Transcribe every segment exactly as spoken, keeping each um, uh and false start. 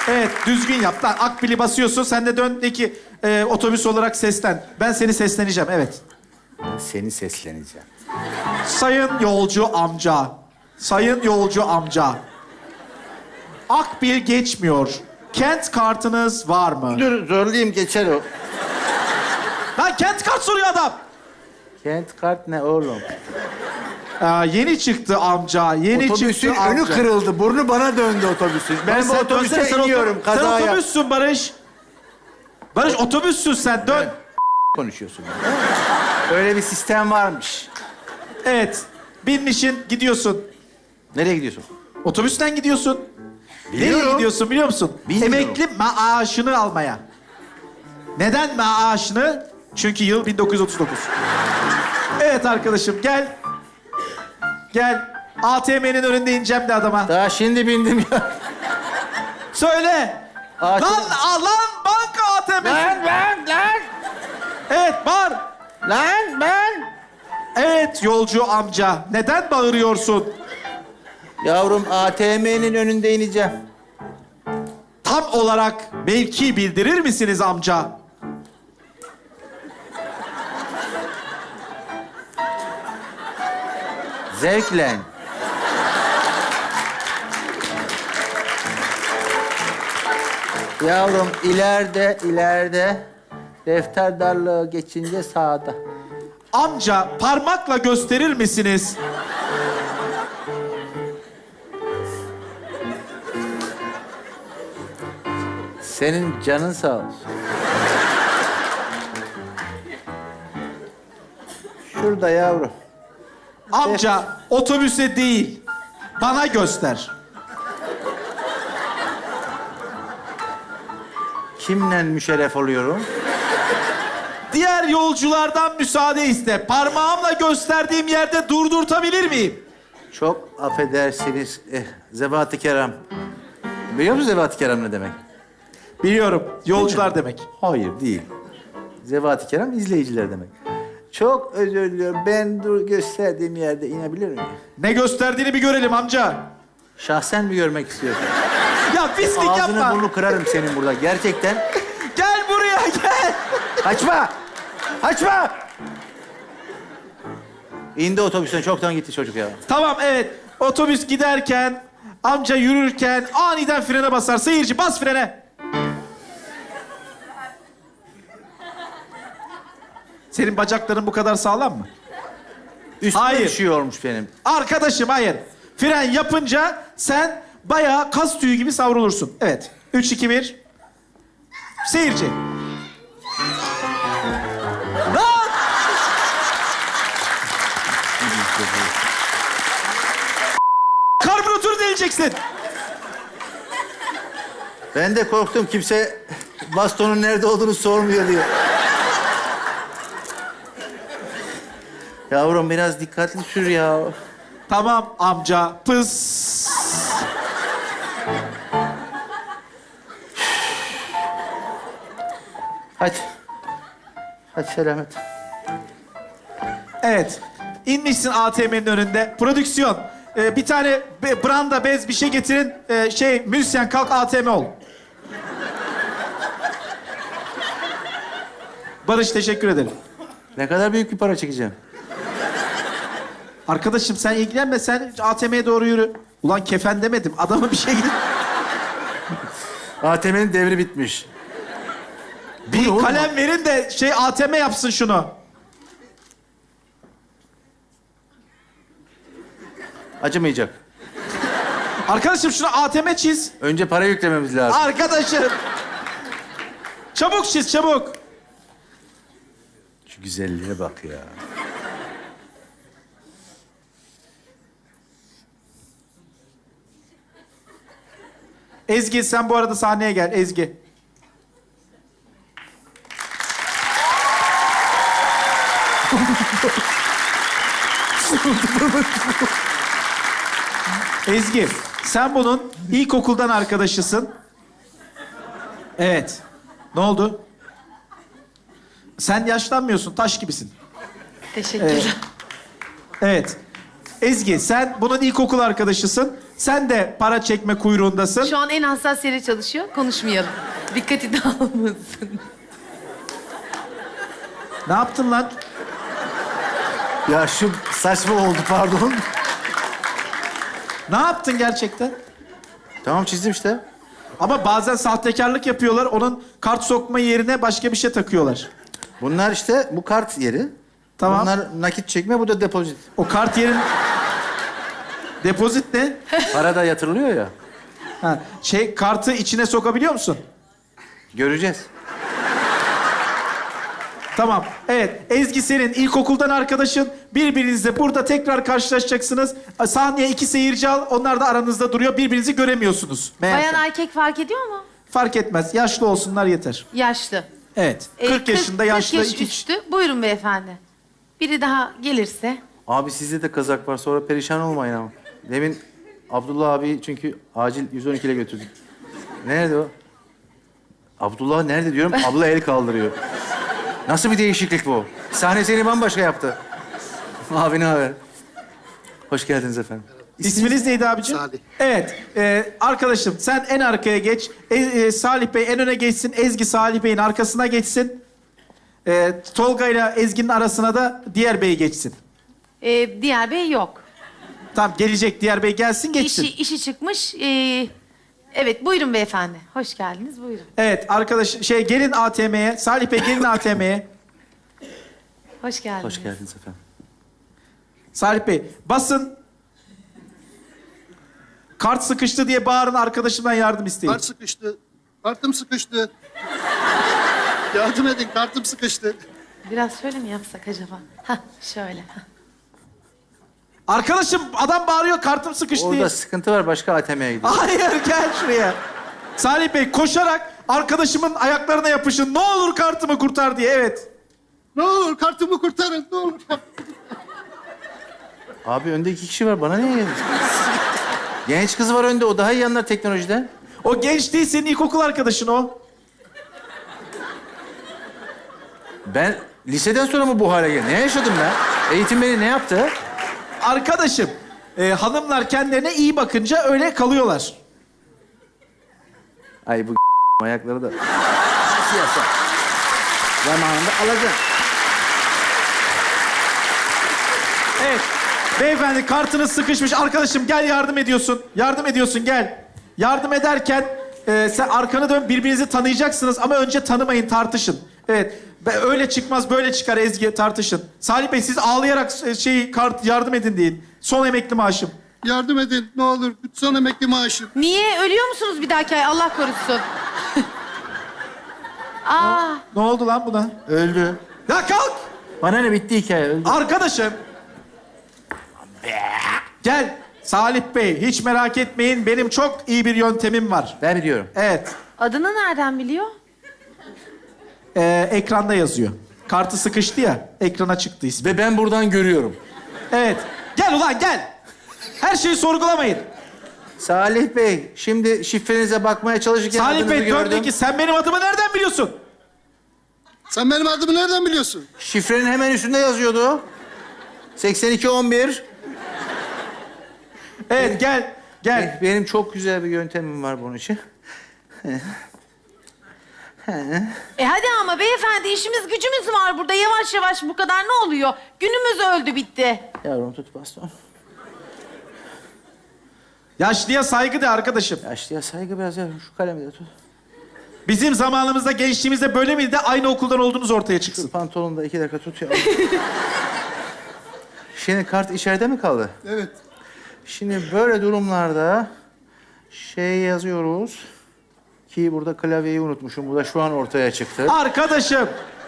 Evet, düzgün yap. Lan akbili basıyorsun, sen de dön de ki e, otobüs olarak seslen. Ben seni sesleneceğim, evet. Ben seni sesleneceğim. Sayın yolcu amca, sayın yolcu amca. Akbil geçmiyor. Kent kartınız var mı? Dur zorlayayım geçer o. Lan kent kart soruyor adam. Kent kart ne oğlum? Aa, yeni çıktı amca, yeni Otobüsün çıktı önü amca. kırıldı. Burnu bana döndü otobüsün. Ben bu Sen otobüse dönsene, sen iniyorum. oto- Kaza Sen yap- otobüssün Barış. Barış otobüssün sen, dön. konuşuyorsun. Öyle bir sistem varmış. Evet, binmişin, gidiyorsun. Nereye gidiyorsun? Otobüsten gidiyorsun. Nereye Biliyorum. gidiyorsun biliyor musun? Bilmiyorum. Emekli maaşını almaya. Neden maaşını? Çünkü yıl bin dokuz yüz otuz dokuz. Evet arkadaşım, gel. Gel. A T M'nin önünde ineceğim de adama. Daha şimdi bindim ya. Söyle. A T M Lan, a- lan banka A T M'si. Lan lan lan! Evet, bağır. Lan ben! Evet yolcu amca. Neden bağırıyorsun? Yavrum A T M'nin önünde ineceğim. Tam olarak mevki bildirir misiniz amca? Zevkle. Yavrum ileride, ileride defter darlığı geçince sağda. Amca parmakla gösterir misiniz? Senin canın sağ olsun. Şurada yavrum. Amca otobüse değil, bana göster. Kimle müşerref oluyorum? Diğer yolculardan müsaade iste. Parmağımla gösterdiğim yerde durdurtabilir miyim? Çok affedersiniz eh, Zevat-ı Kerem. Biliyor musun Zevat-ı Kerem ne demek? Biliyorum, yolcular demek. Hayır değil. Zevat-ı Kerem izleyiciler demek. Çok özür diliyorum. Ben dur gösterdiğim yerde inebilir miyim? Ne gösterdiğini bir görelim amca. Şahsen mi görmek istiyorsun? Ya pislik Ağzını yapma. burnunu kırarım senin burada. Gerçekten. Gel buraya gel. Kaçma! Kaçma! İndi otobüsten. Çoktan gitti çocuk ya. Tamam evet. Otobüs giderken, amca yürürken aniden frene basar. Seyirci bas frene. Senin bacakların bu kadar sağlam mı? Üstüne Hayır. bir şey olmuş benim. Arkadaşım hayır. Fren yapınca sen bayağı kas tüyü gibi savrulursun. Evet. Üç, iki, bir. Seyirci. Lan! Karbüratörü deleceksin. Ben de korktum. Kimse bastonun nerede olduğunu sormuyor diyor. Yavrum biraz dikkatli sür ya. Tamam amca. Pıs. Hadi. Hadi selamet. Evet. İnmişsin A T M'nin önünde. Prodüksiyon. Ee, bir tane be- branda, bez bir şey getirin. Ee, şey, müzisyen kalk A T M ol. Barış teşekkür ederim. Ne kadar büyük bir para çekeceğim. Arkadaşım sen ilgilenme. Sen A T M'ye doğru yürü. Ulan kefen demedim. Adama bir şey gidin. A T M'nin devri bitmiş. Bir oğlum? kalem verin de şey A T M yapsın şunu. Acımayacak. Arkadaşım şunu A T M çiz. Önce para yüklememiz lazım. Arkadaşım. Çabuk çiz, çabuk. Şu güzelliğe bak ya. Ezgi sen bu arada sahneye gel Ezgi. Ezgi, sen bunun ilkokuldan arkadaşısın. Evet. Ne oldu? Sen yaşlanmıyorsun, taş gibisin. Teşekkürler. Evet. Ezgi, sen bunun ilkokul arkadaşısın. Sen de para çekme kuyruğundasın. Şu an en hassas yere çalışıyor. Konuşmayalım. Dikkati dağılmasın. Ne yaptın lan? Ya şu saçma oldu pardon. Ne yaptın gerçekten? Tamam çizdim işte. Ama bazen sahtekarlık yapıyorlar. Onun kart sokma yerine başka bir şey takıyorlar. Bunlar işte bu kart yeri. Tamam. Bunlar nakit çekme, bu da depozit. O kart yerin... Depozit ne? Para da yatırılıyor ya. Ha, şey, kartı içine sokabiliyor musun? Göreceğiz. Tamam. Evet. Ezgi senin ilkokuldan arkadaşın. Birbirinizle burada tekrar karşılaşacaksınız. Sahneye iki seyirci al. Onlar da aranızda duruyor. Birbirinizi göremiyorsunuz. Meğerse. Bayan erkek fark ediyor mu? Fark etmez. Yaşlı olsunlar yeter. Yaşlı. Evet. Ee, kırk yaşında yaşlı kırk yaş iki... üstü. Buyurun beyefendi. Biri daha gelirse. Abi sizde de kazak var, sonra perişan olmayın ama. Demin Abdullah abi çünkü acil yüz on iki ile götürdük. Nerede o? Abdullah nerede diyorum, abla el kaldırıyor. Nasıl bir değişiklik bu? Sahne seni bambaşka yaptı. Abi ne haber? Hoş geldiniz efendim. İsminiz neydi abicim? Salih. Evet. e, arkadaşım sen en arkaya geç. E, e, Salih Bey en öne geçsin. Ezgi Salih Bey'in arkasına geçsin. E, Tolga ile Ezgi'nin arasına da diğer bey geçsin. Ee, diğer bey yok. Tamam gelecek diğer bey gelsin geçsin. İşi, işi çıkmış. Ee, evet buyurun beyefendi. Hoş geldiniz buyurun. Evet arkadaş şey gelin A T M'ye. Salih Bey gelin A T M'ye. Hoş geldiniz. Hoş geldiniz efendim. Salih Bey basın. Kart sıkıştı diye bağırın, arkadaşımdan yardım isteyin. Kart sıkıştı. Kartım sıkıştı. Yardım edin, kartım sıkıştı. Biraz şöyle mi yapsak acaba? Hah şöyle. Hah. Arkadaşım adam bağırıyor kartım sıkıştı diye. Orada sıkıntı var, başka A T M'ye gidiyor. Hayır gel şuraya. Salih Bey koşarak arkadaşımın ayaklarına yapışın. Ne olur kartımı kurtar diye. Evet. Ne olur kartımı kurtarın, ne olur. Abi önde iki kişi var, bana niye geldin? Genç kız var önde, o daha iyi anlar teknolojiden. O genç değil, senin ilkokul arkadaşın o. Ben liseden sonra mı bu hale geldim? Ne yaşadım ben? Eğitim beni ne yaptı? Arkadaşım, e, hanımlar kendilerine iyi bakınca öyle kalıyorlar. Ay bu ayakları da... Siyasa. Zamanında alacağım. Evet. Beyefendi kartınız sıkışmış. Arkadaşım gel yardım ediyorsun. Yardım ediyorsun gel. Yardım ederken e, sen arkanı dön, birbirinizi tanıyacaksınız ama önce tanımayın, tartışın. Evet. Be- Öyle çıkmaz, böyle çıkar Ezgi, tartışın. Salih Bey siz ağlayarak e, şey kart yardım edin deyin. Son emekli maaşım. Yardım edin, ne olur. Son emekli maaşım. Niye? Ölüyor musunuz bir dahaki ay? Allah korusun. Aa, Ne oldu lan buna? Öldü. Ya kalk! Bana ne, bitti hikaye, öldü. Arkadaşım. Gel. Salih Bey hiç merak etmeyin. Benim çok iyi bir yöntemim var. Ben biliyorum. Evet. adını nereden biliyor? Ee, ekranda yazıyor. Kartı sıkıştı ya. Ekrana çıktı ismi. Ve ben buradan görüyorum. Evet. Gel ulan gel. Her şeyi sorgulamayın. Salih Bey, şimdi şifrenize bakmaya çalışırken Salih adınızı Bey gördüm. döndü ki sen benim adımı nereden biliyorsun? Sen benim adımı nereden biliyorsun? Şifrenin hemen üstünde yazıyordu. seksen iki on bir. Evet gel. Gel. Benim çok güzel bir yöntemim var bunun için. E hadi ama beyefendi işimiz gücümüz var burada. Yavaş yavaş bu kadar ne oluyor? Günümüz öldü bitti. Yavrum tut baston. Yaşlıya saygı de arkadaşım. Yaşlıya saygı biraz yavrum. Şu kalemi de tut. Bizim zamanımızda, gençliğimizde böyle miydi de aynı okuldan olduğunuz ortaya Şu çıksın. pantolonu da iki dakika tut yavrum. Şimdi kart içeride mi kaldı? Evet. Şimdi böyle durumlarda şey yazıyoruz ki burada klavyeyi unutmuşum. Bu da şu an ortaya çıktı. Arkadaşım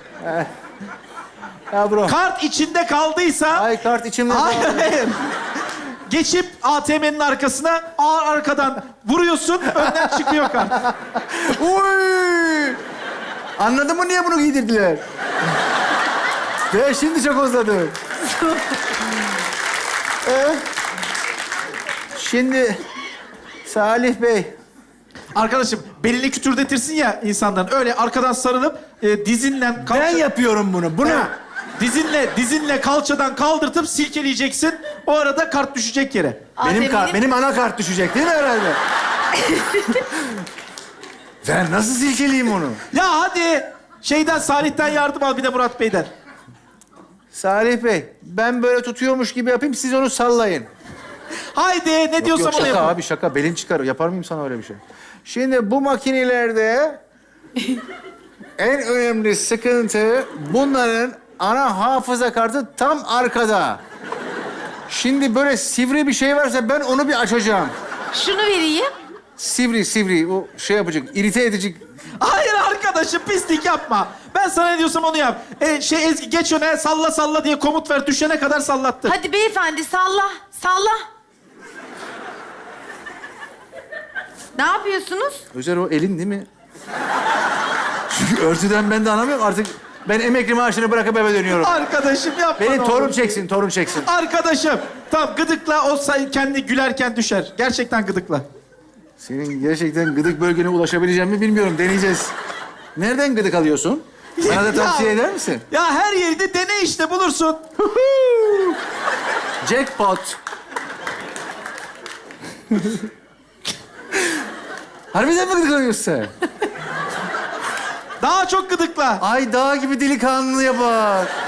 Yavrum. kart içinde kaldıysa... Ay kart içimde Hayır, kaldı. hayır. Geçip A T M'nin arkasına ağır arkadan vuruyorsun, önden çıkıyor kart. Uy! Anladın mı niye bunu giydirdiler? Ben şimdi çok özledim. Ee, şimdi Salih Bey, Arkadaşım belini kütürdetirsin ya insanların. Öyle arkadan sarılıp e, dizinle... Kalça... ben yapıyorum bunu. Bunu. Ha, Dizinle, dizinle kalçadan kaldırtıp silkeleyeceksin. O arada kart düşecek yere. Benim, kart, A T M'nin benim ana kart düşecek değil mi herhalde? Ben nasıl silkeleyeyim onu? Ya hadi şeyden Salih'ten yardım al bir de Murat Bey'den. Salih Bey, ben böyle tutuyormuş gibi yapayım, siz onu sallayın. Haydi ne Yok, diyorsam yok, onu şaka yapın. abi şaka. Belin çıkar. Yapar mıyım sana öyle bir şey? Şimdi bu makinelerde en önemli sıkıntı bunların ana hafıza kartı tam arkada. Şimdi böyle sivri bir şey varsa ben onu bir açacağım. Şunu vereyim. Sivri sivri o şey yapacak, irite edecek. Hayır arkadaşım pislik yapma. Ben sana ne diyorsam onu yap. E, şey Ezgi geç öne salla salla diye komut ver. Düşene kadar sallattır. Hadi beyefendi salla, salla. Ne yapıyorsunuz? Özer o elin değil mi? Çünkü örtüden ben de anlamıyorum artık. Ben emekli maaşını bırakıp eve dönüyorum. Arkadaşım yapma. Beni ne torun olur. çeksin, torun çeksin. Arkadaşım. Tamam gıdıkla o say- kendi gülerken düşer. Gerçekten gıdıkla. Senin gerçekten gıdık bölgene ulaşabileceğim mi bilmiyorum. Deneyeceğiz. Nereden gıdık alıyorsun? Bana da tavsiye Ya- eder misin? Ya her yerde dene işte bulursun. Jackpot. Harbiden mi gıdık alıyorsun sen? Daha çok gıdıkla. Ay dağ gibi delikanlıya bak.